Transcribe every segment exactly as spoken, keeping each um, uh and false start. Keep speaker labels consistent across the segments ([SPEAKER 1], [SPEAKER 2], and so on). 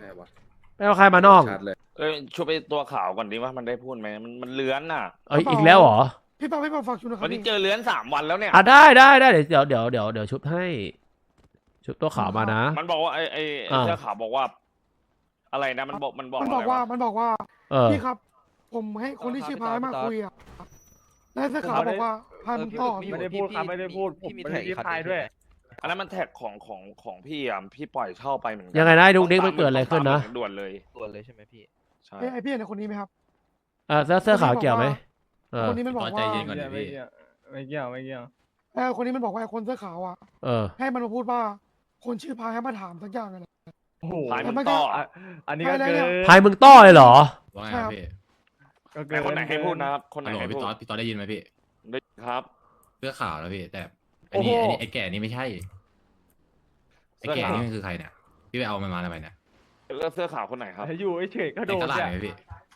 [SPEAKER 1] ไม่วะ
[SPEAKER 2] ไม่เอาใครมาน้อง
[SPEAKER 1] ชัดเลย
[SPEAKER 3] เอ้ยช่วยไปตัวข่าวก่อนดิว่ามันได้พูดไหมมันมันเลื้อนน่ะ
[SPEAKER 2] เอ้ยอีกแล้วเหรอ
[SPEAKER 4] พี่เปาพี่เปาฝากชุดนะครั
[SPEAKER 3] วั
[SPEAKER 4] บ
[SPEAKER 3] นนี้
[SPEAKER 4] พี่
[SPEAKER 3] เจอเลื้อนสามวันแล้วเนี่ย
[SPEAKER 2] อ่ะได้ได้ได้เดี๋ยวเดี๋ยวเดี๋ยวเดี๋ยวชุบให้ ชุบตัวขาวมานะ
[SPEAKER 3] มันบอกว่าไอ้ไอ้ไอ้
[SPEAKER 2] อ่า
[SPEAKER 3] เสื้อขาวบอกว่า อะไรนะมันบอกมันบอก
[SPEAKER 4] มันบอก
[SPEAKER 3] อะไร
[SPEAKER 4] ว่าว มันบอกว่า
[SPEAKER 2] เออ
[SPEAKER 4] พี่ครับ ผมให้คนที่ชื่อพายมาคุยอ่ะแล้วเสื้อขาวบอกว่าพายมึงต่อ
[SPEAKER 5] ไม่ได้พูดครับไม่ได้พูดผมไม่ได้รีพายด้วย
[SPEAKER 3] อันนั้นมันแท็กของของของพี่อ่ะพี่ปล่อยเช่าไปเหมือนกั
[SPEAKER 2] ยังไงนะดุกดิ๊กมันเกิดอะไรขึ้นนะ
[SPEAKER 3] ด่วนเลย
[SPEAKER 5] ตัวเลยใช่ไหมพี่
[SPEAKER 3] ใช่
[SPEAKER 4] เอ้ยไอพี่เห็นคนนี้ไหมครับ
[SPEAKER 2] อ่ะเสื้อเสื้อขาวเกี่ยวไหมเออ
[SPEAKER 4] คนนี้มันบอกว่า
[SPEAKER 5] ไม่เกี่ยวไม่เกี่ยวไม่เกี่ยวไม่เกี่ยว
[SPEAKER 4] เออคนนี้มันบอกว่าไอ้คนเสื้อขาวอ่ะ
[SPEAKER 2] เออ
[SPEAKER 4] ให้มันมาพูดว่า คนชื่อพายให้มาถามสักอย่างอะไร
[SPEAKER 5] โอ้โห
[SPEAKER 3] พาย
[SPEAKER 4] แต่
[SPEAKER 3] มึ
[SPEAKER 4] มัน
[SPEAKER 3] ง
[SPEAKER 4] ก็
[SPEAKER 3] ต่อ
[SPEAKER 5] อ่ะอันนี้ก็
[SPEAKER 4] ไป
[SPEAKER 5] เกิ
[SPEAKER 4] แล้ว
[SPEAKER 5] น
[SPEAKER 4] เนี่ย
[SPEAKER 2] พายมึงต้อเลยเหรอ
[SPEAKER 6] ว่าไงครับพี่
[SPEAKER 5] ก็
[SPEAKER 3] ไหน
[SPEAKER 5] เกิน
[SPEAKER 3] คนไหนให้พูดนะครับคนไหน
[SPEAKER 6] ฮัลโหล
[SPEAKER 3] ให้
[SPEAKER 6] พี่
[SPEAKER 3] พูด
[SPEAKER 6] ต๊อดพี่ต๊อดได้ยินไหมพี่
[SPEAKER 3] ได้ครับ
[SPEAKER 6] เสื้อขาวแล้วพี่แต่ไอ้นี่ไอ้นี่ไอ้แก่นี่ไม่ใช่ไอ้แก่นี่มันคือใครเนี่ยพี่ไปเอามันมาทำไมเนี่ย
[SPEAKER 3] แล้วเสื้อขาวคนไหนครับ
[SPEAKER 5] อยู่เฉยๆก็โด
[SPEAKER 6] ใน
[SPEAKER 5] น
[SPEAKER 6] ตลาด
[SPEAKER 5] เนี่ย
[SPEAKER 6] ไหมพี่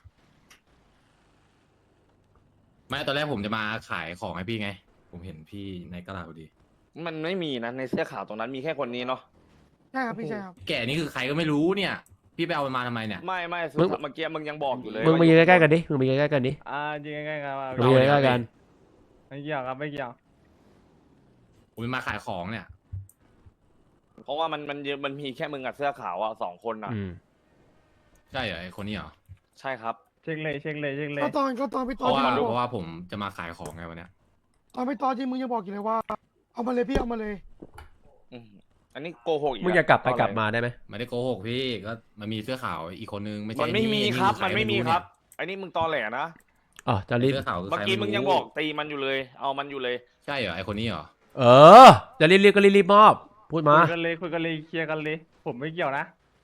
[SPEAKER 6] ไม่ตอนแรกผมจะมาขายของให้พี่ไง ผมเห็นพี่ในตลาดพอดี
[SPEAKER 3] มันไม่มีนะในเสื้อขาวตรงนั้นมีแค่คนนี้เนาะ
[SPEAKER 4] ใช่ครับพี่ใช่ครับ
[SPEAKER 6] แก่นี่คือใครก็ไม่รู้เนี่ย พี่ไปเอามันมาทำไมเนี่ย
[SPEAKER 3] ไม่ไม่
[SPEAKER 2] มึง
[SPEAKER 3] เมื่อกี้มึงยังบอกอยู่เลย
[SPEAKER 2] มึงมายืนใกล้ๆกันดิ มึงมายืนใกล้ๆกันดิ
[SPEAKER 5] อ่าจริงๆกันครับ
[SPEAKER 2] มึงมายืนใกล้ๆกัน
[SPEAKER 5] ไม่เกี่ยวครับไม่เกี่ยว
[SPEAKER 6] ผมมาขายของเนี่ย
[SPEAKER 3] เพราะว่ามันมันมันมีแค่มึงกับเสื้อขาวอ่ะสองคนอ่ะ
[SPEAKER 2] อืม
[SPEAKER 6] ใช่เหรอไอ้คนนี้เหรอ
[SPEAKER 3] ใช่ครับ
[SPEAKER 5] เช็คเลยเช็คเลยเช็คเลย
[SPEAKER 4] ก็ตอนก็ตอนพี่
[SPEAKER 6] เพ
[SPEAKER 4] ตอน
[SPEAKER 6] ราะว่า
[SPEAKER 4] ที่มึง
[SPEAKER 6] เพ
[SPEAKER 4] บอก
[SPEAKER 6] ราะว่าผมจะมาขายของไงวันเนี้ย
[SPEAKER 4] ตอนพี่ตอนที่มึงยังบอกอยู่เลยว่า เอามาเลยพี่เอามาเลย
[SPEAKER 3] อืมอันนี้โกหกอีก
[SPEAKER 2] มึงอย่ากลับไปกลับมาได้ไหม
[SPEAKER 6] ไม่ได้โกหกพี่ก็มันมีเสื้อขาวอีกคนนึงไม่ใช่
[SPEAKER 3] มันไม่มี
[SPEAKER 6] อ้
[SPEAKER 3] ครับ
[SPEAKER 6] ใ
[SPEAKER 3] มันไม่มี
[SPEAKER 6] รู้
[SPEAKER 3] ค
[SPEAKER 6] เย
[SPEAKER 3] รับอันนี้มึงตอแหลนะ
[SPEAKER 2] อ๋อจะรีบ
[SPEAKER 6] เสื้อขาวคือ
[SPEAKER 3] เมื่อ
[SPEAKER 6] ใคร
[SPEAKER 3] กี้มึงยัง
[SPEAKER 6] ไรู้
[SPEAKER 3] บอกตีมันอยู่เลย เอามันอยู่เลย
[SPEAKER 6] ใช่เหรอไอคนนี้เหรอ
[SPEAKER 2] เออ จะรีบๆก็รีบๆมอบ พูดมา
[SPEAKER 5] คุยกันเลยคุยกันเลยเคลียร์กันเลย ผมไม่เกี่ยวนะ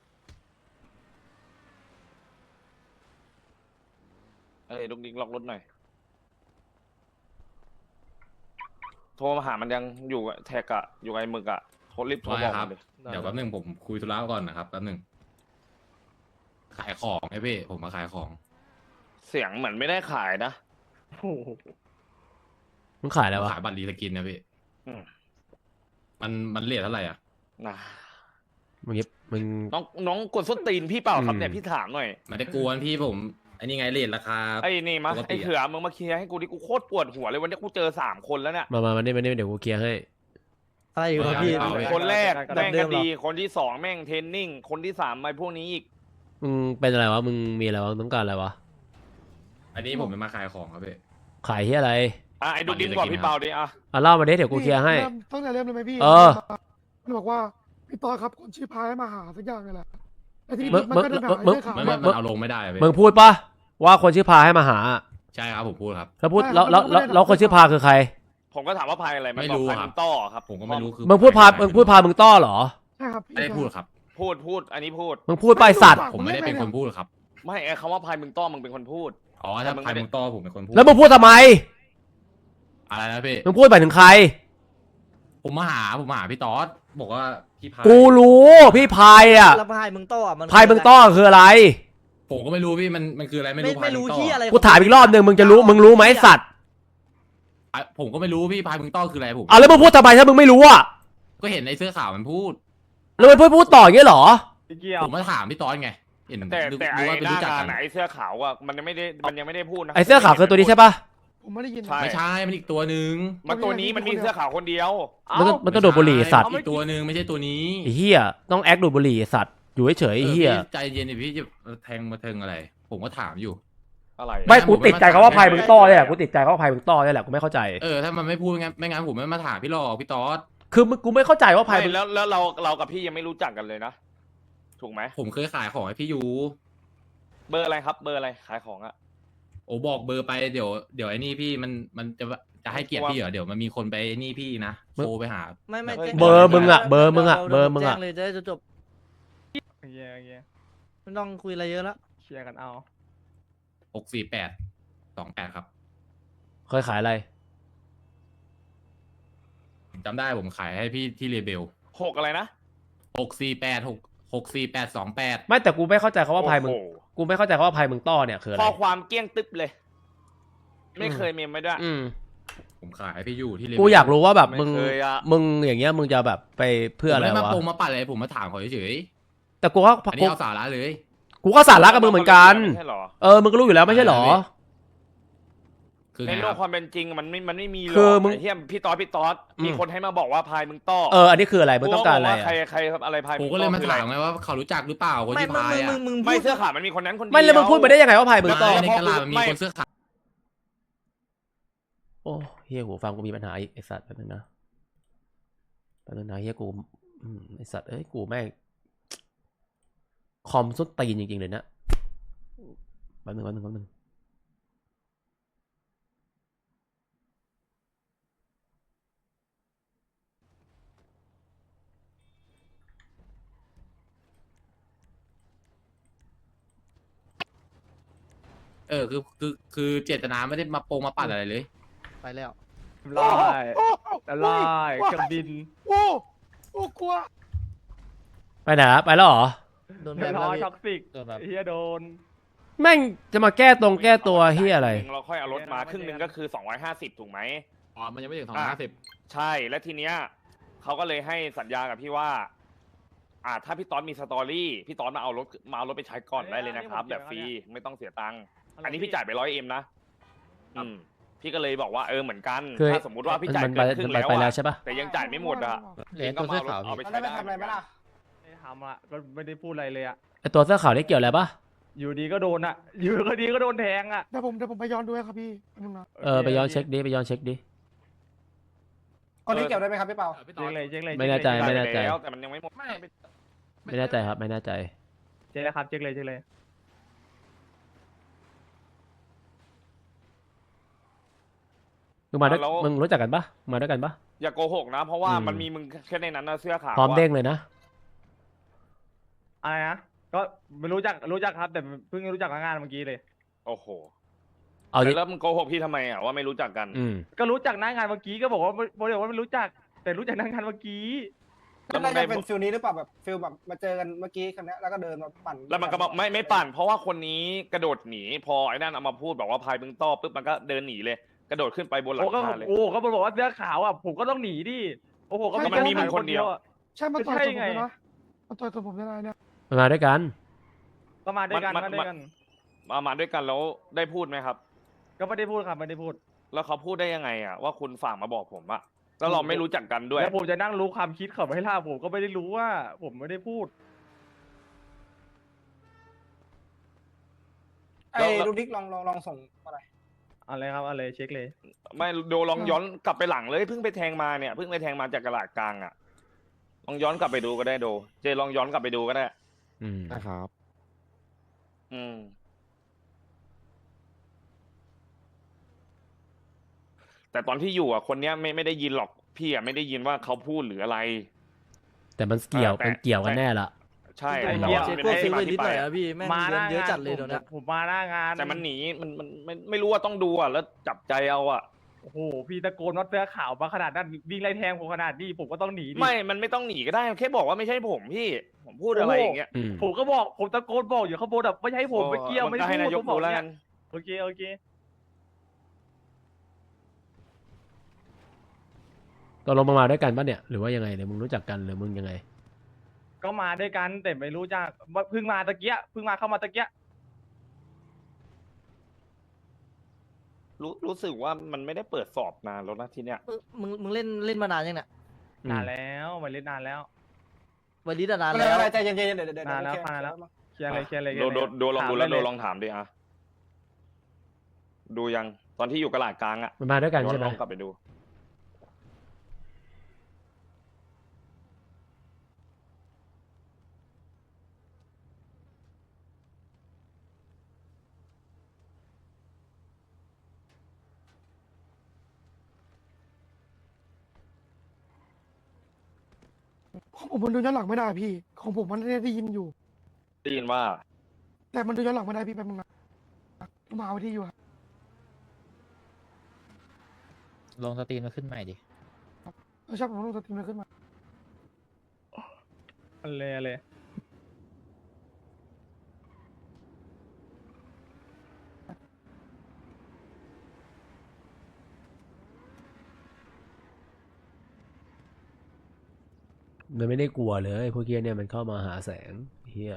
[SPEAKER 3] เอ้ยลูกดิ้งล็อกรถหน่อยโทรมาหามันยังอยู่กับแท็กอะอยู่กับไอ้หมึกอะโทรรีบโทรบอก
[SPEAKER 6] ครั
[SPEAKER 3] มันเลย
[SPEAKER 6] เดี๋ยวแป๊บนึงผมคุยธุระก่อนนะครับแป๊บนึงขายของไอ้พี่ผมมาขายของ
[SPEAKER 3] เสียงเหมือนไม่ได้ขายนะ
[SPEAKER 5] โอ้โห
[SPEAKER 2] มึงขายอะไรวะ
[SPEAKER 6] ขายบัตรรีสกินนะพี่
[SPEAKER 3] อืม
[SPEAKER 6] มันมันเรทเท่าไหร่อ่ะ
[SPEAKER 3] นะ
[SPEAKER 2] มึงยิบมึง
[SPEAKER 3] น้องน้องกดส้นตีนพี่เปล่าครับ
[SPEAKER 2] อืม
[SPEAKER 3] เนี่ยพี่ถามหน่อย
[SPEAKER 6] ไม่ได้กวนพี่ผมไอ้นี่ไงเรทราคา
[SPEAKER 3] ไอ้นี่มา
[SPEAKER 6] ปกติอะ
[SPEAKER 3] ไอ้เขือมึงมาเคลียร์ให้กูดิกูโคตรปวดหัวเลยวันนี้กูเจอสามคนแล้วเนี่ย
[SPEAKER 2] มามามานี่มานี่เดี๋ยวกูเคลียร์ให้
[SPEAKER 7] อะไรอยู่ครับพี่
[SPEAKER 6] เอาไป
[SPEAKER 3] คนแรก
[SPEAKER 7] แบบ
[SPEAKER 3] แม่ง
[SPEAKER 7] เดิ
[SPEAKER 3] ก็
[SPEAKER 7] มเหรอ
[SPEAKER 3] ดีคนที่สองแม่งเทรนนิ่งคนที่สามไอ้พวกนี้อีก
[SPEAKER 2] มึงเป็นอะไรวะ มึงมีอะไรวะมึงต้องการอะไรวะ
[SPEAKER 6] อันนี้ผมจะมาขายของครับพี่
[SPEAKER 2] ขายที่อะไร
[SPEAKER 3] อ่ะไอ้ดูดินบอกพี่เปาดิอ่ะ
[SPEAKER 2] อ่ะเล่ามาดิเดี๋ยวกูเคลียร์ให้
[SPEAKER 4] ริ่มตั้งแต่เริ่มเลยไหมพี่
[SPEAKER 2] เออ
[SPEAKER 4] มันบอกว่าพี่ตอนครับคนชื่อพายให้มาหาสักอย่างนี่แหละไอ้ที่
[SPEAKER 2] มึง
[SPEAKER 4] มันก็เดินไปหา
[SPEAKER 2] มึง
[SPEAKER 4] ไอ้เสื้อขาว
[SPEAKER 6] มัน
[SPEAKER 4] อะ
[SPEAKER 6] มันมันเอาลงไม่ได้อะพี่
[SPEAKER 2] มึงพูดปะว่าคนชื่อพาให้มาหา
[SPEAKER 6] ใช่ครับผมพูดครับ
[SPEAKER 2] แล้วพูดแล้วแล้วแล้วแล้วคนชื่อพาคือใคร
[SPEAKER 3] ผมก็ถามว่าพายอะไรมัน
[SPEAKER 6] ไม่
[SPEAKER 3] บอก
[SPEAKER 6] รู้
[SPEAKER 3] พาย
[SPEAKER 6] ครั
[SPEAKER 3] มั
[SPEAKER 6] บ
[SPEAKER 3] นต้อครับ
[SPEAKER 6] ผมก็ไม่รู้คือ
[SPEAKER 2] มึงพูดพา มึงพูดพามึงต้อเหรอ
[SPEAKER 4] ใช่ครับ
[SPEAKER 6] ไม่ได้พูดครับ
[SPEAKER 3] พูดพูดอันนี้พูด
[SPEAKER 2] มึงพูดไปสัตว์
[SPEAKER 6] ผมไม่ได้เป็นคนพูดครับ
[SPEAKER 3] ไม่ไอ้คำว่าพายมึงต้อมึงเป็นคนพูด
[SPEAKER 6] อ๋อถ้าใครมึงต้อผมเป็นคนพูด
[SPEAKER 2] แล้วมึงพูดทำไม
[SPEAKER 6] อะไรนะพี่
[SPEAKER 2] มึงพูดไปถึงใคร
[SPEAKER 6] ผมมาหาผมมาหาพี่ต๊อดบอกว่าพี่พาย
[SPEAKER 2] กูรู้พี่พายอ่ะ
[SPEAKER 7] แล้วพายมึงโต้อะมัน
[SPEAKER 2] พายมึงต้อคืออะไร
[SPEAKER 6] ผมก็ไม่รู้พี่มันมันคืออะไรไม่
[SPEAKER 7] ไม่
[SPEAKER 6] รู้
[SPEAKER 7] ไม่รู้
[SPEAKER 6] พายมึงต้อ
[SPEAKER 7] ที่อะไร
[SPEAKER 2] กูถามอีกรอบหนึ่งมึงจะรู้ มึงรู้ไหมสัตว์
[SPEAKER 6] อ่ะผมก็ไม่รู้พี่พายมึงต้อคืออะไรผม
[SPEAKER 2] เอาแล้วมึงพูดทำไมถ้ามึงไม่รู้อ่ะ
[SPEAKER 6] ก็เห็นไอ้เสื้อขาวมันพูด
[SPEAKER 2] แล้วมึงพูดพูดต่ออย่างเงี้ยเหรอ
[SPEAKER 5] ไม่เกี่ยว
[SPEAKER 6] ผมมาถามพี่ต๊อดไงเห็น
[SPEAKER 3] แต่
[SPEAKER 6] ดู
[SPEAKER 3] แต่
[SPEAKER 6] ดู
[SPEAKER 3] ไอ้
[SPEAKER 6] ว่าเป็น
[SPEAKER 3] หน้า
[SPEAKER 6] รู้จัก
[SPEAKER 3] งา
[SPEAKER 6] กัน น
[SPEAKER 3] ไหนไอ้เสื้อขาวอ่ะมันยังไม่ได้มันยังไม่ได้พูดนะ
[SPEAKER 2] ไอ้เสื้อขาวคือตัวนี้ใช่ปะ
[SPEAKER 4] ผมไม่ได้ยิน
[SPEAKER 3] ใช่
[SPEAKER 6] ไม่ใช่มันอีกตัวหนึ่ง
[SPEAKER 3] มันตัวนี้มันมีเสื้อขาวคนเดียว
[SPEAKER 2] มันต้องมันต้องดูดบุหรี่ไอ้สัตว์
[SPEAKER 6] อีกตัวหนึ่งไม่ใช่ตัวนี้
[SPEAKER 2] ไอ้เหี้ยต้องแอคดูดบุหรี่ไอ้สัตว์อยู่เฉยๆไอ้เหี้ย
[SPEAKER 6] ออพี่ใจเย็นดิพี่จะแทงมาเทิงอะไร ผมก็ถามอยู่
[SPEAKER 3] อะไร
[SPEAKER 2] ไม่กูติดใจเขาว่าพายมึงต้อเนี่ยแหละกูติดใจเขาว่าพายมึงต้อเนี่ยแหละกูไม่เข้าใจ
[SPEAKER 6] เออถ้ามันไม่พูดงั้นไม่งั้นผมไม่มาถามพี่หรอกพี่ต๊อด
[SPEAKER 2] คือมึงกูไม่เข้าใจว่าพาย
[SPEAKER 3] ไม่
[SPEAKER 2] มึง
[SPEAKER 3] แล้วแล้วเราเรากับพี่ยังไม่รู้จักกันเลยนะถูกไหม
[SPEAKER 6] ผมเคยขายของให้พี่ยู
[SPEAKER 3] เบอร์อะไรครับ เบอร์อะไรขายของอ่ะ
[SPEAKER 6] โอ้บอกเบอร์ไปเดี๋ยวเดี๋ยวไอ้นี่พี่มันมันจะจะให้เกียรติพี่เหรอเดี๋ยวมันมีคนไปไอ้นี่พี่นะโทรไปหา
[SPEAKER 7] ไม่ไม่แจ้ง
[SPEAKER 2] เบอร์มึงอะเบอร์มึงอะเบอร์มึงอะ
[SPEAKER 7] แจ้งเลยจะได้จบ
[SPEAKER 5] โอเคโอเค
[SPEAKER 7] ๆไม่ต้องคุยอะไรเยอะแล้ว
[SPEAKER 5] เคลียร์กันเอา
[SPEAKER 6] หกสี่แปดสองแปดครับ
[SPEAKER 2] เคยขายอะไร
[SPEAKER 6] ผมจำได้ผมขายให้พี่ที่เรเบล
[SPEAKER 3] หกอะไรนะ
[SPEAKER 6] หกสี่แปดหกหกสี่แปดสองแปด
[SPEAKER 2] ไม่แต่กูไม่เข้าใจเขาว่าพายมึง
[SPEAKER 3] โอ้โห
[SPEAKER 2] กูไม่เข้าใจเขาว่าพายมึงต้อเนี่ยคืออะไร
[SPEAKER 3] ข้อความเกลี้ยงตึ๊บเลย ไม่เคยเมมไม่ได้
[SPEAKER 2] อืม
[SPEAKER 6] ผมขายให้พี่ยูที่เรเบล
[SPEAKER 2] กูอยากรู้ว่าแบบมึง
[SPEAKER 3] ไม่เคยอะ
[SPEAKER 2] มึงอย่างเงี้ยมึงจะแบบไปเพื่ออะไร
[SPEAKER 6] ผมม่ด้มาว
[SPEAKER 2] ะ
[SPEAKER 6] ปงมาปัดอะไรผมมาถามเขาเฉย
[SPEAKER 2] แต่กูก็
[SPEAKER 6] อันนี้เอาสาระเลย
[SPEAKER 2] กูก็สาระกับมึงเหมือนกัน
[SPEAKER 3] ไม่ใช่เหรอ
[SPEAKER 2] เออมึงก็รู้อยู่แล้วไม่ใช่เหรอ
[SPEAKER 6] คือ
[SPEAKER 3] ใน
[SPEAKER 6] ไง
[SPEAKER 3] โล
[SPEAKER 6] ค
[SPEAKER 3] ก
[SPEAKER 6] รับ
[SPEAKER 3] ความเป็นจริงมันไม่มันไม่มีหรอก
[SPEAKER 2] คือมึง
[SPEAKER 3] ไอ้เฮียพี่ต๊อดพี่ต๊อด
[SPEAKER 2] อืม
[SPEAKER 3] มีคนให้มาบอกว่าพายมึงต้อ
[SPEAKER 2] เอออันนี้คืออะไรมึงต้องการอะไร
[SPEAKER 3] ว่า
[SPEAKER 2] อะ
[SPEAKER 3] ใครใครอะไรพาย
[SPEAKER 6] กู
[SPEAKER 3] ง
[SPEAKER 6] ก็เลยมา
[SPEAKER 3] คือ
[SPEAKER 6] ถาม
[SPEAKER 3] อะไร
[SPEAKER 6] ไงว่าเขารู้จักหรือเปล่าคน
[SPEAKER 7] ไม่
[SPEAKER 6] ที่
[SPEAKER 7] มึง
[SPEAKER 6] พาย
[SPEAKER 7] มึง
[SPEAKER 6] อ่ะ
[SPEAKER 7] มึงมึง
[SPEAKER 3] ไม่
[SPEAKER 7] พูด
[SPEAKER 3] เสื้อขาวมันมีคนนั้นคนเดียว
[SPEAKER 2] ไม่แล้วมึงพูดไปได้ยังไงว่าพายมึงต้อ
[SPEAKER 6] ในกะลามันมีคนเสื้อขาว
[SPEAKER 2] โอ้เฮียหูฟังกูมีปัญหาอีกไอสัตว์แป๊บนึงนะแป๊บนึงนะเฮียกูอืมไอสัตว์เอ้ยกูแม่งคอมสุดตีนจริงๆเลยนะแป๊บนึงแป๊บนึงแป๊บนึง
[SPEAKER 6] เออคือคือคือเจตนาไม่ได้มาโปงมาปัดอะไรเลย
[SPEAKER 7] ไปแล้ว
[SPEAKER 5] ไล่
[SPEAKER 4] โอ้โห
[SPEAKER 5] ไล่เครื่องบิน
[SPEAKER 4] โอ้โอ้กลัว
[SPEAKER 2] ไปไหนอะไปแล้วเหรอ
[SPEAKER 7] โดนแบ
[SPEAKER 5] เรีย
[SPEAKER 7] น
[SPEAKER 5] บ
[SPEAKER 7] แล้
[SPEAKER 5] ร้
[SPEAKER 7] ว
[SPEAKER 5] อย
[SPEAKER 7] พี่
[SPEAKER 5] ท็อกซิก
[SPEAKER 7] โดนแบบ
[SPEAKER 5] เฮียโดน
[SPEAKER 2] แม่งจะมาแก้ตรงแก้ตัวเฮียอะไร
[SPEAKER 3] เราค่อยเอารถมาครึ่งหนึงก็คือสองร้อยห้าสิบถูกไหม
[SPEAKER 6] อ๋อ มันยังไม่ถึงสองร้อยห้าสิบ
[SPEAKER 3] ใช่และทีเนี้ยเขาก็เลยให้สัญญากับพี่ว่า อ่าถ้าพี่ต๊อดมีสตอรี่พี่ต๊อดมาเอารถมาเอารถไปใช้ก่อนได้เลยนะครับ แบบฟรีไม่ต้องเสียตังค์อันนี้พี่จ่ายไปร้อยเอ็มนะอืมพี่ก็เลยบอกว่าเออเหมือนกัน
[SPEAKER 2] คือ
[SPEAKER 3] ถ้าสมมุติว่าพี่จ่าย
[SPEAKER 2] มัน
[SPEAKER 3] เกิ
[SPEAKER 2] ไป
[SPEAKER 3] นครึ่ง
[SPEAKER 2] มัน
[SPEAKER 3] แล้ว
[SPEAKER 2] ไปแล้ว
[SPEAKER 3] อะ
[SPEAKER 2] ใช่ปะ
[SPEAKER 3] แต่ยังจ่ายไม่หมดอ่ะ
[SPEAKER 7] เหรียญตัวเสื้อขาว
[SPEAKER 3] เอาไป
[SPEAKER 7] พี่
[SPEAKER 3] ใช้ได้
[SPEAKER 5] ไม่ได้ทำอ่ะก็ไม่ได้พูดอะไรเลยอ่ะ
[SPEAKER 2] ไอตัวเสื้อขาวนี่เกี่ยวอะไรปะ
[SPEAKER 5] อยู่ดีก็โดนอ่ะ อยู่ก็ดีก็โดนแทงอ่ะ
[SPEAKER 4] เดี๋ยวผมเดี๋ยวผมไปย้อนดูให้ครับพี่มึงนะ
[SPEAKER 2] เออไปย้อนเช็คดิไปย้อนเช็คดิ
[SPEAKER 1] คนนี้เกี่ยวได้ไหมครับพี่เปา
[SPEAKER 5] เจ๊งเลยเจ๊งเลย
[SPEAKER 2] ไม่แน่ใจ
[SPEAKER 3] จ่าย
[SPEAKER 2] ไม่
[SPEAKER 3] ไป
[SPEAKER 2] แน่ใจ
[SPEAKER 3] แล้วแต่มันยังไม่หมด
[SPEAKER 6] ไม่
[SPEAKER 2] ไม่แน่ใจครับไม่แน่ใจ
[SPEAKER 5] เจ๊งเลยครับเจ๊งเลยเจ๊งเลย
[SPEAKER 2] มึงมาด้วยมึงรู้จักกันปะมาด้วยกันปะ
[SPEAKER 3] อย่าโกหกนะ เพราะว่า
[SPEAKER 2] อืม
[SPEAKER 3] มันมีมึงแค่ในนั้นนะเสื้อขาว
[SPEAKER 2] พร้อม
[SPEAKER 3] อะ
[SPEAKER 2] เด้งเลยนะ
[SPEAKER 5] อะไรนะก็ไม่รู้จักรู้จักครับ แต่เพิ่งรู้จักงานเมื่อกี้เลย
[SPEAKER 3] โอ้โห
[SPEAKER 2] เอาดิ
[SPEAKER 3] แล้วมึงโกหกพี่ทำไมอ่ะว่าไม่รู้จักกัน
[SPEAKER 2] อืม
[SPEAKER 5] ก็รู้จักหน้างานเมื่อกี้ก็บอกว่าบอกว่าไม่รู้จัก แต่รู้จักหน้างานเมื่อกี้
[SPEAKER 3] แล้วมึ
[SPEAKER 1] น่าง
[SPEAKER 3] ได้
[SPEAKER 1] จะเป็นฟิลนี้หรือเปล่าแบบฟิลแบบมาเจอกันเมื่อกี้คันนี้แล้วก็เดินมาปั่น
[SPEAKER 3] แล้วมันก็บอกไม่ไม่ปั่น เพราะว่าคนนี้กระโดดหนีพอไอ้นั่นเอามาพูดบอกว่าพายมึงต้อปุ๊บมันก็เดินหนีเลย กระโดดขึ้นไปบนหลั
[SPEAKER 5] โอ้
[SPEAKER 3] ง
[SPEAKER 5] ก็
[SPEAKER 3] คาเลย
[SPEAKER 5] โอ้ก็บอกว่าเสื้อขาวอ่ะผมก็ต้องหนีดิโอ้โหก็
[SPEAKER 3] ก็มันมีมึงคนเดียว
[SPEAKER 5] อะ
[SPEAKER 4] ใช่มันต่อย
[SPEAKER 5] ใช่
[SPEAKER 4] ตัวผม
[SPEAKER 5] ไง
[SPEAKER 4] เลยนะมันต่อยตัวผมได้ไงเนี่ย
[SPEAKER 2] มันมาด้วยกัน
[SPEAKER 5] ก็มาด้วยกัน
[SPEAKER 3] มัน
[SPEAKER 5] มาด้วยกัน
[SPEAKER 3] มามาด้วยกันแล้วได้พูดไหมครับ
[SPEAKER 5] ก็ไม่ได้พูดครับไม่ได้พูด
[SPEAKER 3] แล้วเขาพูดได้ยังไงอ่ะว่าคุณฝากมาบอกผมอะแล้วเราไม่รู้จักกันด้วย
[SPEAKER 5] แล้วผมจะนั่งรู้ความคิดเขาไม่ล่าผมก็ไม่ได้รู้ว่า ผมไม่ได้พูด
[SPEAKER 1] ไอ้ลูกดิ๊กลองลองลองส่งมาหน่อย
[SPEAKER 5] อะไรครับอะไรเช็คเลย
[SPEAKER 3] ไม่โดลองย้อนกลับไปหลังเลยเพิ่งไปแทงมาเนี่ยเพิ่งไปแทงมาจากกระลาดกลางอ่ะลองย้อนกลับไปดูก็ได้โด เจลองย้อนกลับไปดูก็ได้
[SPEAKER 2] อืม
[SPEAKER 8] นะครับ
[SPEAKER 3] อืม แต่ตอนที่อยู่อ่ะคนเนี้ยไม่ไม่ได้ยินหรอกพี่อ่ะไม่ได้ยินว่าเขาพูดหรืออะไร
[SPEAKER 2] แต่มันเกี่ยว
[SPEAKER 3] แต่
[SPEAKER 2] มันเกี่ยวกันแน่ละ
[SPEAKER 3] ใช่
[SPEAKER 5] ไอ้
[SPEAKER 3] แต่
[SPEAKER 5] เหี้ย
[SPEAKER 3] ว่า
[SPEAKER 7] เจ๊
[SPEAKER 3] ไม่
[SPEAKER 7] พวก
[SPEAKER 3] ได้
[SPEAKER 7] ซื้อ
[SPEAKER 3] มา
[SPEAKER 7] ไปนิ
[SPEAKER 3] ที่
[SPEAKER 7] ดห
[SPEAKER 3] ไป
[SPEAKER 7] น่อย
[SPEAKER 3] อะ
[SPEAKER 7] อะพี่แม่ง
[SPEAKER 5] มาห
[SPEAKER 7] เงิ
[SPEAKER 5] น้าน
[SPEAKER 7] เยอะ
[SPEAKER 5] งาน
[SPEAKER 7] จัดเลย
[SPEAKER 5] ผม
[SPEAKER 7] เดี๋ยวเนี้ย
[SPEAKER 5] ผมมาหน้างาน
[SPEAKER 3] แต่มันหนีมันมันไม่ไม่รู้ว่าต้องดูอ่ะแล้วจับใจเอาอ่ะ
[SPEAKER 5] โอ้โหพี่ตะโกนว่าเสื้อขาวมาขนาดนั้นวิ่งไล่แทงผมขนาดนี้ผมก็ต้องหนีดิ
[SPEAKER 3] ไม่ มันไม่ต้องหนีก็ได้แค่บอกว่าไม่ใช่ผมพี่ ผมพูดอะไรอย่างเงี้ย
[SPEAKER 2] อืม
[SPEAKER 5] ผมก็บอกผมตะโกนบอกอยู่ข้างบนแบบไม่ใช่ผมไม่เกี่ยวไม่
[SPEAKER 3] น
[SPEAKER 5] ได้
[SPEAKER 3] ให้
[SPEAKER 5] พู
[SPEAKER 3] นา
[SPEAKER 5] ด
[SPEAKER 3] ย
[SPEAKER 5] ผ
[SPEAKER 3] ก
[SPEAKER 5] มบอ
[SPEAKER 3] ดู
[SPEAKER 5] ก
[SPEAKER 3] แล้ว
[SPEAKER 5] เนี่
[SPEAKER 3] กั
[SPEAKER 5] ย
[SPEAKER 3] น
[SPEAKER 5] โอเคโอเค
[SPEAKER 2] ตกลงมึงมาด้วยกันปะเนี่ยหรือว่ายังไงหรือมึงรู้จักกันหรือมึงยังไง
[SPEAKER 5] ก็มาด้วยกันแต่ไม่รู้จักว่าเพิ่งมาตะเกียเพิ่งมาเข้ามาตะเกีย
[SPEAKER 3] รู้รู้สึกว่ามันไม่ได้เปิดสอบนานแล้วนะทีเนี้ย
[SPEAKER 7] มึงมึงมึงเล่นเล่นมานานยังเนี่ย
[SPEAKER 2] อืม
[SPEAKER 5] นานแล้วมาเล่นนานแล้ว
[SPEAKER 7] วันนี้นาน
[SPEAKER 1] อะไร
[SPEAKER 7] แล้ว
[SPEAKER 1] อะไรใจเย็นๆเดี๋ยวเดี๋ยวเดี๋ยว
[SPEAKER 5] นานแล้ว
[SPEAKER 1] โอเคน
[SPEAKER 5] านแล้ว เคลียร์เลยเคลียร์เลย
[SPEAKER 3] โดโดโดลองดูแล้วโด
[SPEAKER 5] ถามไเย
[SPEAKER 3] ลองถามดิอ่ะดูยังตอนที่อยู่กระลาดกลางอ่ะ
[SPEAKER 2] มันมาด้วยกัน
[SPEAKER 3] ย้อน
[SPEAKER 2] ใช่ไห
[SPEAKER 3] ล
[SPEAKER 2] ม
[SPEAKER 3] องกลับไปดู
[SPEAKER 4] ของผมมันดูย้อนหลังไม่ได้พี่ ของผมมันได้ยินอยู่
[SPEAKER 3] ได้ยินว่า
[SPEAKER 4] แต่มันดูย้อนหลังไม่ได้พี่แป๊บนึงนะมาเอาที่อยู่ครับ
[SPEAKER 9] ลงสตรีมมาขึ้นใหม่ดิ
[SPEAKER 4] เออใช่ผมต้องสตรีมมันขึ้นมา
[SPEAKER 5] อะไรอะไร
[SPEAKER 2] มันไม่ได้กลัวเลยพวกเกียเนี่ยมันเข้ามาหาแสงเฮีย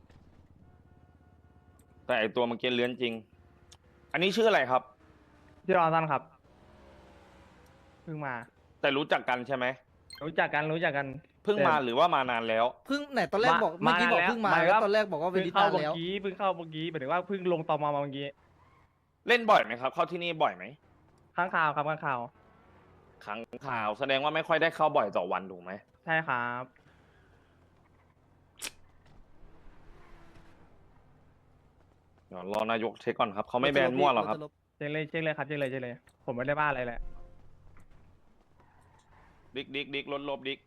[SPEAKER 3] แต่ไอตัวเมื่อกี้เลื้อนจริง อันนี้ชื่ออะไรครับ
[SPEAKER 5] ที่รอท่านครับเพิ่งมา
[SPEAKER 3] แต่รู้จักกันใช่ไหม
[SPEAKER 5] รู้จักกันรู้จักกัน
[SPEAKER 3] เพิ่งมาหรือว่ามานานแล้ว
[SPEAKER 7] เพิ่งไหนตอนแรก
[SPEAKER 5] มา
[SPEAKER 7] บอกเมื่อกี้บอก
[SPEAKER 5] มาแล้ว
[SPEAKER 7] เพิ่งมา
[SPEAKER 5] หมาย
[SPEAKER 7] แล้ว
[SPEAKER 5] ว่า
[SPEAKER 7] ตอนแรกบอกว่าเว
[SPEAKER 5] เพิ่ง
[SPEAKER 7] ลิ
[SPEAKER 5] เข้า
[SPEAKER 7] ตา
[SPEAKER 5] เมื่อ
[SPEAKER 7] แล้ว
[SPEAKER 5] กี้เพิ่งเข้าเมื่อกี้หมายถึงว่าเพิ่งลงตอมมาเมื่อกี้
[SPEAKER 3] เล่นบ่อยไหมครับ เข้าที่นี่บ่อยไหม
[SPEAKER 5] ข้างข่าวครับข้างข่าว
[SPEAKER 3] ครั้งข่าวแสดงว่าไม่ค่อยได้เข้าบ่อยต่อวันถูกไหม
[SPEAKER 5] ใช่ครับ
[SPEAKER 3] เดี๋ยวรอนายกเช็คก่อนครับเขาไม่แบนมั่วหรอกครับ
[SPEAKER 5] เช็คเลยเช็คเลยครับเช็คเลยเช็คเลย ผมไม่ได้บ้าอะไรแหละ
[SPEAKER 3] ดิกดิกดิกลดลบดิก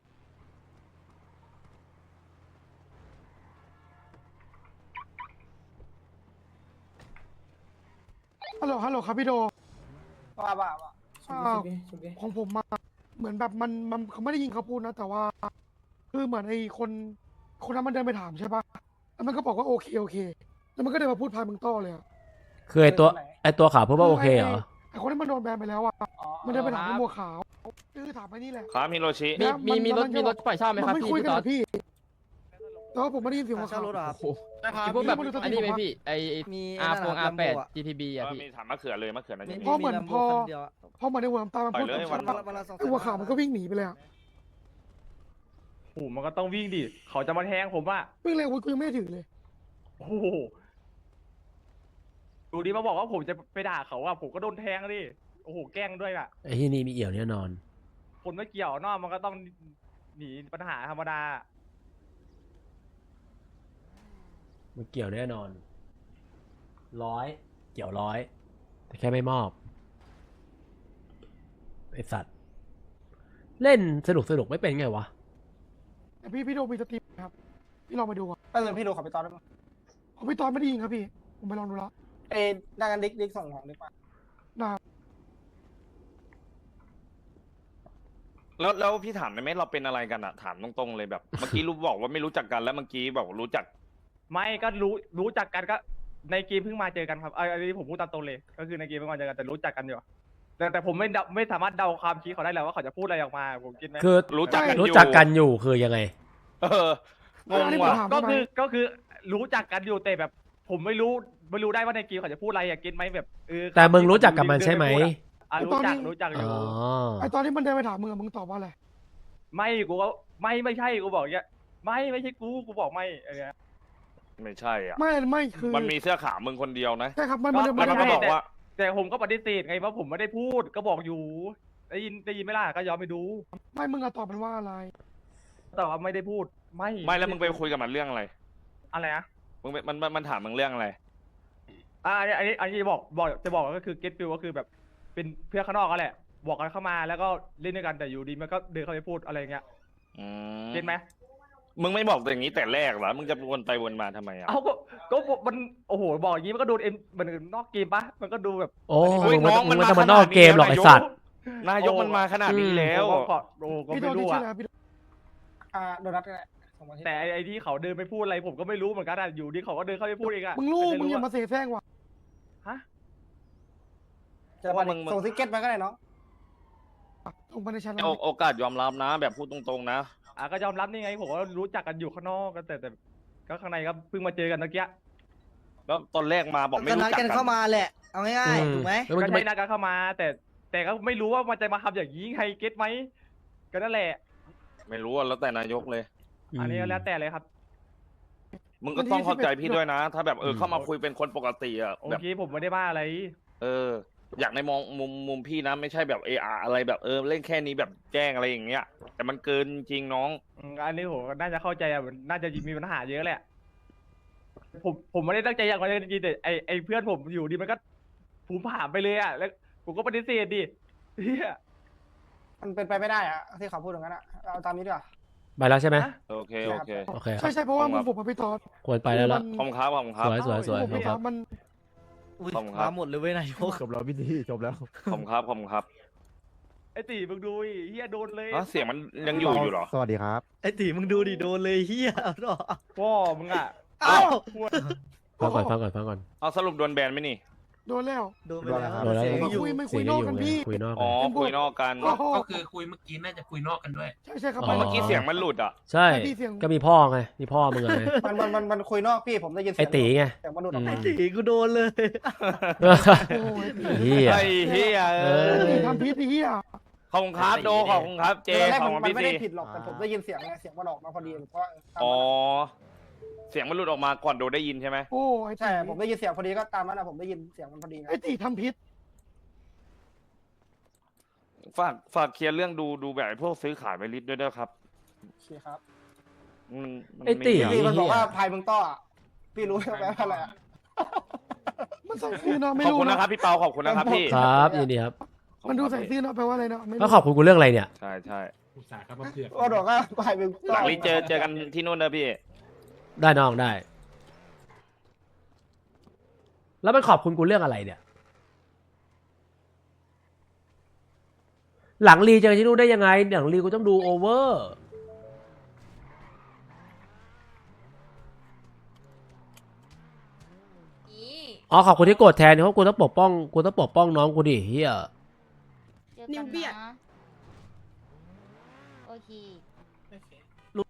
[SPEAKER 4] ฮัลโหลฮัลโหลครับพี่โด
[SPEAKER 1] ว่าว่าว่า
[SPEAKER 4] อ่าของผมมาเหมือนแบบมันมันเขาไม่ได้ยินเขาพูดนะ แต่ว่า คือเหมือนไอ้คน คนนั้นมันเดินไปถามใช่ปะแล้วมันก็บอกว่าโอเคโอเค แล้วมันก็เดินมาพูดพายมึงโต้เลยอะ
[SPEAKER 2] คือไอตัวไอตัวขาวพูดว่าโอเคเหรอ
[SPEAKER 4] ไอ้คนที่มันโดนแบนไปแล้วอะ
[SPEAKER 1] อ๋อ
[SPEAKER 4] มันเดินไปถามไอ้บัวขาวคือถามไอ้นี่แหละ
[SPEAKER 3] ครับฮิโรชิ
[SPEAKER 9] มี
[SPEAKER 4] แล้ว
[SPEAKER 9] มีมีรถ
[SPEAKER 4] น
[SPEAKER 9] มีรถปล่อยเช่าไหมครับ
[SPEAKER 4] นไม่
[SPEAKER 9] พี่
[SPEAKER 4] คุย
[SPEAKER 9] พี่
[SPEAKER 4] กัน
[SPEAKER 9] ต๊
[SPEAKER 4] เห
[SPEAKER 9] อ
[SPEAKER 4] ร
[SPEAKER 9] ด
[SPEAKER 4] อพี่แต่ว่าผมไม่ได้ยินเสียงหัว
[SPEAKER 7] เช่า
[SPEAKER 4] ขาว
[SPEAKER 7] รถเหรอครับ
[SPEAKER 9] โอ้โห
[SPEAKER 7] นะครับ
[SPEAKER 9] พวกแบบ
[SPEAKER 4] มีรถ
[SPEAKER 9] อันนี้ไหม
[SPEAKER 4] ติด
[SPEAKER 9] พี่ไอ
[SPEAKER 7] มี
[SPEAKER 9] อาร์โฟงอาร์แปด
[SPEAKER 7] อะ
[SPEAKER 9] จีทีบี
[SPEAKER 3] เอ
[SPEAKER 9] อะ
[SPEAKER 3] อ
[SPEAKER 9] พี่
[SPEAKER 3] มีถามมะเขือเลยมะเขือนั่น
[SPEAKER 7] มี
[SPEAKER 3] ยัง
[SPEAKER 4] เพราะเหมือน
[SPEAKER 7] มี
[SPEAKER 4] พอ
[SPEAKER 7] Lambo คันเดียวอะ
[SPEAKER 4] พอเหมือนในหัวน้ำตามัน
[SPEAKER 3] ปล่
[SPEAKER 4] พู
[SPEAKER 3] อ
[SPEAKER 4] ด
[SPEAKER 3] ยเลย
[SPEAKER 4] กับ
[SPEAKER 3] วั
[SPEAKER 4] ฉั
[SPEAKER 3] น
[SPEAKER 4] น
[SPEAKER 3] ละ
[SPEAKER 7] วันละสองแส
[SPEAKER 4] ไอ้
[SPEAKER 7] น
[SPEAKER 4] หัวขาวมันก็วิ่งหนีไปเลยอะ
[SPEAKER 5] โหมันก็ต้องวิ่งดิเขาจะมาแทงผมอะ
[SPEAKER 4] วิ่งเร็วกูยังไม่ได้ถือเลย
[SPEAKER 5] โอ้โหดูดิมาบอกว่าผมจะไปด่าเขาอะผมก็โดนแทงดิโอ้โหแกล้งด้วยอะ
[SPEAKER 2] ไอ้ที่นี่มีเอี่ยวแน่นอน
[SPEAKER 5] คนไม่เกี่ยวนอกมันก็ต้องหนีปัญหาธรรมดา
[SPEAKER 2] มันเกี่ยวแน่นอน ร้อย เกี่ยวร้อย แต่แค่ไม่มอบไอสัตว์ เล่นสนุกสนุกไม่เป็นไงวะ
[SPEAKER 4] แต่พี่พี่โดมีสตรีมครับ พี่ลองไปดูอ่ะ
[SPEAKER 1] ไปเลยพี่ดูขอไปตอนได้ไหม
[SPEAKER 4] ของพี่ตอนไม่ได้ยินครับพี่ ผมไปลองดูแล้ว
[SPEAKER 1] เอ้ยดังกันดิกดิกส่งของดีกว่า
[SPEAKER 4] นะ
[SPEAKER 3] แล้วแล้วพี่ถามได้ไหมเราเป็นอะไรกันอะถามตรงๆเลยแบบ เมื่อกี้รู้บอกว่าไม่รู้จักกันแล้วเมื่อกี้บอกรู้จัก
[SPEAKER 5] ไม่ก็รู้รู้จักกันก็ในเกมเพิ่งมาเจอกันครับเอยอันนี้ผมพูดตามตรงเลย ก็คือในเกมเพิ่งมาเจอกันแต่รู้จักกันอยู่แต่แต่ผมไม่เดาไม่สามารถเดาความคิดเขาได้แล้วว่าเขาจะพูดอะไรออกมาผมคิดไหม
[SPEAKER 2] คือ
[SPEAKER 3] รู้จักกันอยู่
[SPEAKER 2] รู้จักกันอยู่คือยังไง
[SPEAKER 3] เอองง
[SPEAKER 4] อันนี้ผม
[SPEAKER 3] ว่ะ
[SPEAKER 4] ถาม
[SPEAKER 5] ก็
[SPEAKER 4] ได้ไหม
[SPEAKER 5] คือก็คือรู้จักกันอยู่แต่แบบ ผมไม่รู้ไม่รู้ได้ว่าในเกมเขาจะพูดอะไรอยากกินไหมแบบเออ
[SPEAKER 2] แต่มึงรู้จักกับมันใช่ไหม
[SPEAKER 5] อ่ะรู้จักรู้จักอ
[SPEAKER 2] อ๋
[SPEAKER 5] ยู่
[SPEAKER 2] อ
[SPEAKER 4] ไอตอนที่มันเดินไปถามมึงอะมึงตอบว่าอะไร
[SPEAKER 5] ไม่กูก็ไม่ไม่ใช่กูบอกอย่างเงี้ยไม่ไม่ใช่กูกูบอกไม่อะไรเงี้ย
[SPEAKER 3] ไม่ใช่อ่ะ
[SPEAKER 4] ไม่ไม่คือ
[SPEAKER 3] มันมีเสื้อขาวมึงคนเดียวนะ
[SPEAKER 4] ใช่ครับ มันมันเดิน
[SPEAKER 3] แล้วมันก็
[SPEAKER 4] ไป
[SPEAKER 3] บอกว่า
[SPEAKER 5] แต่ผมก็ปฏิเสธไงว่าผมไม่ได้พูดก็บอกอยู่ได้ยินได้ยินไหมล่ะก็ยอมไปดู
[SPEAKER 4] ไม่มึงอะตอบมันว่าอะไร
[SPEAKER 5] แต่ว่าไม่ได้พูดไม่
[SPEAKER 3] ไม่แล้วมึงไปคุยกับมันเรื่องอะไร
[SPEAKER 5] อะไรนะ
[SPEAKER 3] มึงไปมันมันมันถามมึงเรื่องอะไร
[SPEAKER 5] อ่าอันนี้อันนี้อันนี้จะบอกบอกจะบอกก็คือเก็ตฟิลก็คือแบบเป็นเพื่อนข้างนอกก็แหละ บอกกันเข้ามาแล้วก็เล่นด้วยกันแต่อยู่ดีมันก็เดินเข้าไปพูดอะไรเงี้ย
[SPEAKER 3] อืม
[SPEAKER 5] เก็ตไหม
[SPEAKER 3] มึงไม่บอกอย่างนี้แต่แรกเหรอ มึงจะวนไปวนมาทำไมอ่ะ
[SPEAKER 5] เอาก็ก็มันโอ้โหบอกอย่างนี้มันก็ดูเอ็มเหมือนนอกเกมปะมันก็ดูแบบ
[SPEAKER 2] โอ้
[SPEAKER 3] โอ้ย
[SPEAKER 2] มึง
[SPEAKER 3] น้อง
[SPEAKER 2] มึ
[SPEAKER 3] มัน
[SPEAKER 2] ง
[SPEAKER 3] มา
[SPEAKER 2] ไม่ต้อง
[SPEAKER 3] ข
[SPEAKER 2] มา
[SPEAKER 3] นาด
[SPEAKER 2] นอกเกมหรอกไอสัตว์
[SPEAKER 3] นายกมันมาขนาดนี้แล้ว
[SPEAKER 5] โอ้ก็โอ้ก็
[SPEAKER 4] พี่โด
[SPEAKER 5] ไม่
[SPEAKER 4] นที่
[SPEAKER 5] รู้
[SPEAKER 4] ชื่อ
[SPEAKER 5] อะ
[SPEAKER 4] อะไรพี่โด
[SPEAKER 1] อ่าโดนัทก็ได้ส่งมาที่
[SPEAKER 5] แต่ไอ้ไอ้ที่เขาเดินไปพูดอะไรผมก็ไม่รู้เหมือนกันอะอยู่ดีเขาก็เดินเข้าไปพูดเองอะ
[SPEAKER 4] มึงรู้
[SPEAKER 5] แต่
[SPEAKER 4] มึงอย่า
[SPEAKER 5] อะ
[SPEAKER 4] มาเสแสร้งว่ะ
[SPEAKER 5] ฮะ
[SPEAKER 1] เจอมาดิส่งทิกเก็ตมาก็ได้เนาะ
[SPEAKER 4] ส่งไปในชั้น
[SPEAKER 3] โอโอกาสยอมรับนะ แบบพูดตรงๆนะ
[SPEAKER 5] อ่ะก็ยอมรับนี่ไงผมว่ารู้จักกันอยู่ข้างนอกกันแต่แต่ก็ข้างในก็เพิ่งมาเจอกันเมื่อกี้
[SPEAKER 3] แล้วตอนแรกมาบอกไม่
[SPEAKER 7] ก็
[SPEAKER 3] รู้
[SPEAKER 7] นัด
[SPEAKER 3] จัก
[SPEAKER 7] กัน
[SPEAKER 3] กั
[SPEAKER 7] เข้าน มาแหละ เอาง่าย
[SPEAKER 2] อืม
[SPEAKER 7] ๆถูกไหม
[SPEAKER 2] แล้วมึง
[SPEAKER 5] ก็
[SPEAKER 2] จะไป
[SPEAKER 5] ใช่นัดกันเข้ามา แต่แต่ก็ไม่รู้ว่ามันจะมาทำอย่างนี้ไงเก็ตไหมก็นั่นแหละ
[SPEAKER 3] ไม่รู้อะแล้วแต่นายกเลย
[SPEAKER 5] อันนี้ก็แล้วแต่เลยครับ
[SPEAKER 3] มึงก็ต้องเข้าใจพี่ด้วยนะ ถ้าแบบเออเข้ามาคุยเป็นคนปกติอะ
[SPEAKER 5] โอ
[SPEAKER 3] แบบ
[SPEAKER 5] เคผมไม่ได้ว่าอะไร
[SPEAKER 3] เออ อยากในมองมุมมุมพี่นะ ไม่ใช่แบบเอออะไรแบบเออเล่นแค่นี้แบบแจ้งอะไรอย่างเงี้ย แต่มันเกินจริงน้อง
[SPEAKER 5] อืมอันนี้ผมก็น่าจะเข้าใจอ่ะมันน่าจะมีปัญหาเยอะแหละ ผมผมไม่ได้ตั้งใจอย่างนั้นจริงๆแต่ไอไอเพื่อนผมอยู่ดีมันก็ผูมผ่ามไปเลยอ่ะแล้วผมก็ปฏิเสธดิเฮีย
[SPEAKER 1] มันเป็นไปไม่ได้อะที่เขาพูดอย่างนั้นอะเอาตามนี้ดีกว่า
[SPEAKER 2] ไปแล้วใช่ไหม
[SPEAKER 3] โอเคโอเค
[SPEAKER 2] โอเคครั
[SPEAKER 4] ใช่
[SPEAKER 2] บ
[SPEAKER 4] ใช่เพราะว่ามึงผมกับพี่ตอด
[SPEAKER 2] ควรไปแล้วละ
[SPEAKER 3] ขอบคุณครับขอบคุณครับ
[SPEAKER 2] สวยสวยสวย
[SPEAKER 4] ผม
[SPEAKER 2] ค
[SPEAKER 4] พี่ต
[SPEAKER 2] รั
[SPEAKER 4] อบ ดมัน
[SPEAKER 7] อุ้ย
[SPEAKER 3] ขอบคุณครับ
[SPEAKER 7] มาหมดเลยเว้ยนายก
[SPEAKER 8] จบแล้วพี่ทีจบแล้ว
[SPEAKER 3] ขอบคุณครับขอบคุณครับ
[SPEAKER 5] ไอตีมึงดูดิเฮียโดนเลย
[SPEAKER 3] อ๋อเสียงมันยังอยู่อยู่เหรอ
[SPEAKER 8] สวัสดีครับ
[SPEAKER 7] ไอ้ตีมึงดูดิโดนเลยเฮียเอาหรอ
[SPEAKER 5] พ่อมึงอ่ะ
[SPEAKER 7] เอ้า
[SPEAKER 2] ฟังก่อนฟังก่อนฟังก่อน
[SPEAKER 3] เอาสรุปโดนแบนไหมนี่
[SPEAKER 4] โดนแล้ว
[SPEAKER 7] โดนไปแล้ว
[SPEAKER 2] โดนแล้ว
[SPEAKER 7] เสียงอยู่
[SPEAKER 4] คุยไม่
[SPEAKER 2] เสียงยังอยู่ไงคุยนอก
[SPEAKER 3] อ๋อ
[SPEAKER 2] กัน
[SPEAKER 3] คุยนอกกัน
[SPEAKER 4] โอ้โห
[SPEAKER 6] ก็คือคุยเมื่อกี้น่าจะคุยนอกกันด้วย
[SPEAKER 4] ใช่ใช่ครับ
[SPEAKER 2] อ๋อ
[SPEAKER 3] เมื่อกี้เสียงมันหลุดอ่ะ
[SPEAKER 2] ใช่
[SPEAKER 4] พี่เสียง
[SPEAKER 2] ก็มีพ่อไงมีพ่อมึงไง
[SPEAKER 1] มันมันมันมันคุยนอกพี่ผมได้ยินเสี
[SPEAKER 2] ไอย
[SPEAKER 1] ง
[SPEAKER 2] ตีไง
[SPEAKER 1] เสียงมันหลุดออก
[SPEAKER 2] อื
[SPEAKER 1] มา
[SPEAKER 2] ม
[SPEAKER 7] ตีกูโดนเลย
[SPEAKER 4] โอ้ย
[SPEAKER 2] เฮีย
[SPEAKER 3] ไอ้เฮียเอ
[SPEAKER 2] เอ
[SPEAKER 3] อ
[SPEAKER 2] อ
[SPEAKER 4] ทำพิษไอ้เหี้ย
[SPEAKER 3] ขอบคุณครับโดขอบคุณครับเจ
[SPEAKER 1] ตอนแรก
[SPEAKER 3] ขอ
[SPEAKER 1] มั
[SPEAKER 3] บ
[SPEAKER 1] น
[SPEAKER 3] คุณ
[SPEAKER 1] มัน
[SPEAKER 3] พี่
[SPEAKER 1] ไม่
[SPEAKER 3] ซี
[SPEAKER 1] ได้ผิดหรอกแต่ผมได้ยินเสียงไงเสียงมันออกมาพอดีเพราะว่าตาม
[SPEAKER 3] อ๋อ
[SPEAKER 1] นั้นอะ
[SPEAKER 3] เสียงมันหลุดออกมาก่อนโดได้ยินใช่ไหม
[SPEAKER 4] โอ้ไอ้
[SPEAKER 1] ใช่
[SPEAKER 4] ตี
[SPEAKER 1] ผมได้ยินเสียงพอดีก็ตามนั้นนะผมได้ยินเสียงมันพอดีไง
[SPEAKER 4] ไอ้ตีทำพิษ
[SPEAKER 3] ฝากฝากเคลียร์เรื่องดูดูแบบไอ้พวกซื้อขายไปลิตรด้วยนะครับ
[SPEAKER 1] โอเคครับ
[SPEAKER 3] มันมัน
[SPEAKER 2] ไอ้ตี
[SPEAKER 3] ม่
[SPEAKER 1] พี่
[SPEAKER 3] ยาก
[SPEAKER 1] มันบอกว่า
[SPEAKER 2] เหี้ย
[SPEAKER 1] พายเมืองต้ออะพี่รู้ไหมว่าอะไรอะ
[SPEAKER 4] มันใส่ซื่อนะไม่
[SPEAKER 3] ขอบ
[SPEAKER 4] รู้
[SPEAKER 3] คุณ
[SPEAKER 4] นะ
[SPEAKER 3] นะครับพี่เปาขอบคุณนะครับพี่
[SPEAKER 2] ครับยินดีครับ
[SPEAKER 4] มันดูใส่ซื่อนะแปลว่าอะไรนะไม่
[SPEAKER 2] แล้ว
[SPEAKER 4] รู้
[SPEAKER 2] ขอบคุณกูเรื่องอะไรเนี่ย
[SPEAKER 3] ใช่ใช่
[SPEAKER 6] อุตส่าห์ครับมาเผือก
[SPEAKER 1] ก็บอกว่าพายเมืองต้อ
[SPEAKER 3] หลังรีเจอเจอกันที่นู่นนะพี่
[SPEAKER 2] ได้น้องได้ แล้วมันขอบคุณกูเรื่องอะไรเนี่ย หลังรีเจอที่นู่นได้ยังไงหลังรีกูต้องดูโอเวอร์ อ๋อขอบคุณที่โกรธแทนเพราะกูต้องปกป้องกูต้องปกป้องน้องกูดิเฮีย
[SPEAKER 8] นิวเบียดโอเค
[SPEAKER 7] ลุ